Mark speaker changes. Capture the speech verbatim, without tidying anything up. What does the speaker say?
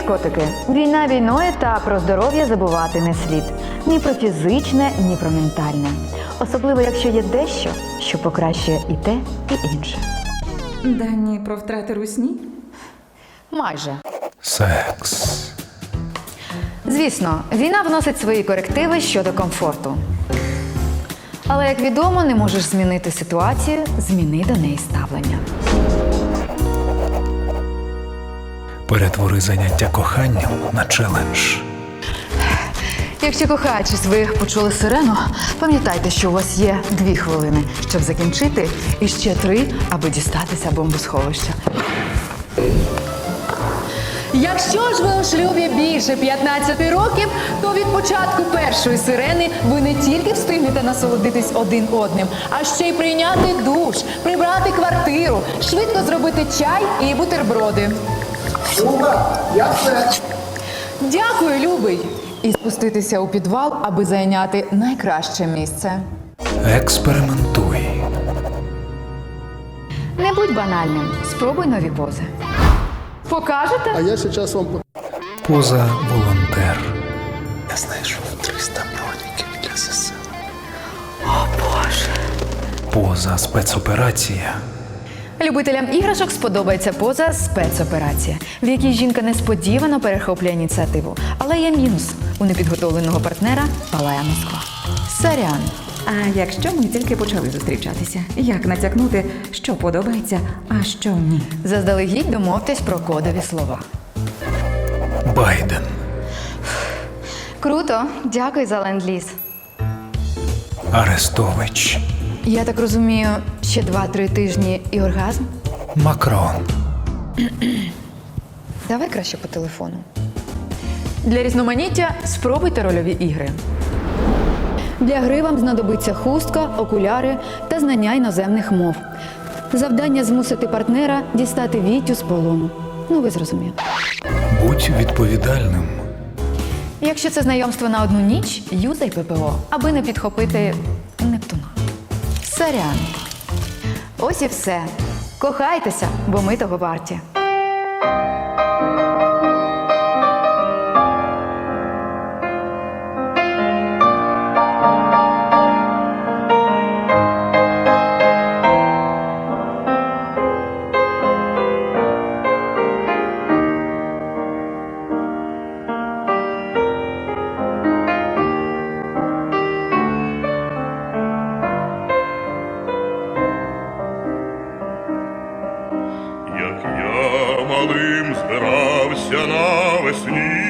Speaker 1: котики, війна війною, та про здоров'я забувати не слід. Ні про фізичне, ні про ментальне. Особливо, якщо є дещо, що покращує і те, і інше.
Speaker 2: Дані про втрати русні?
Speaker 1: Майже.
Speaker 3: Секс.
Speaker 1: Звісно, війна вносить свої корективи щодо комфорту. Але, як відомо, не можеш змінити ситуацію, зміни до неї ставлення.
Speaker 3: Перетвори заняття коханням на челендж.
Speaker 1: Якщо кохаючи своїх почули сирену, пам'ятайте, що у вас є дві хвилини, щоб закінчити, і ще три, аби дістатися бомбосховища.
Speaker 4: Якщо ж ви у шлюбі більше п'ятнадцяти років, то від початку першої сирени ви не тільки встигнете насолодитись один одним, а ще й прийняти душ, прибрати квартиру, швидко зробити чай і бутерброди.
Speaker 5: Люба, я все.
Speaker 4: Дякую, любий! І спуститися у підвал, аби зайняти найкраще місце.
Speaker 3: Експериментуй.
Speaker 1: Не будь банальним, спробуй нові пози. Покажете?
Speaker 5: А я зараз вам...
Speaker 3: Поза волонтер.
Speaker 6: Я знайшов триста мільйонів для ЗСУ.
Speaker 3: Поза спецоперація.
Speaker 1: Любителям іграшок сподобається поза спецоперація, в якій жінка несподівано перехоплює ініціативу. Але є мінус. У непідготовленого партнера палає Москва. Сорян.
Speaker 2: А якщо ми тільки почали зустрічатися, як натякнути, що подобається, а що ні?
Speaker 1: Заздалегідь домовтесь про кодові слова.
Speaker 3: Байден.
Speaker 1: Круто, дякую за ленд-ліз.
Speaker 3: Арестович.
Speaker 1: Я так розумію, ще два-три тижні і оргазм?
Speaker 3: Макрон.
Speaker 1: Давай краще по телефону. Для різноманіття спробуйте рольові ігри. Для гри вам знадобиться хустка, окуляри та знання іноземних мов. Завдання змусити партнера дістати Вітю з полону. Ну, ви зрозуміли.
Speaker 3: Будь відповідальним.
Speaker 1: Якщо це знайомство на одну ніч, юзай ППО, аби не підхопити Нептуна. Сорян. Ось і все. Кохайтеся, бо ми того варті.
Speaker 7: Як я малим збирався навесні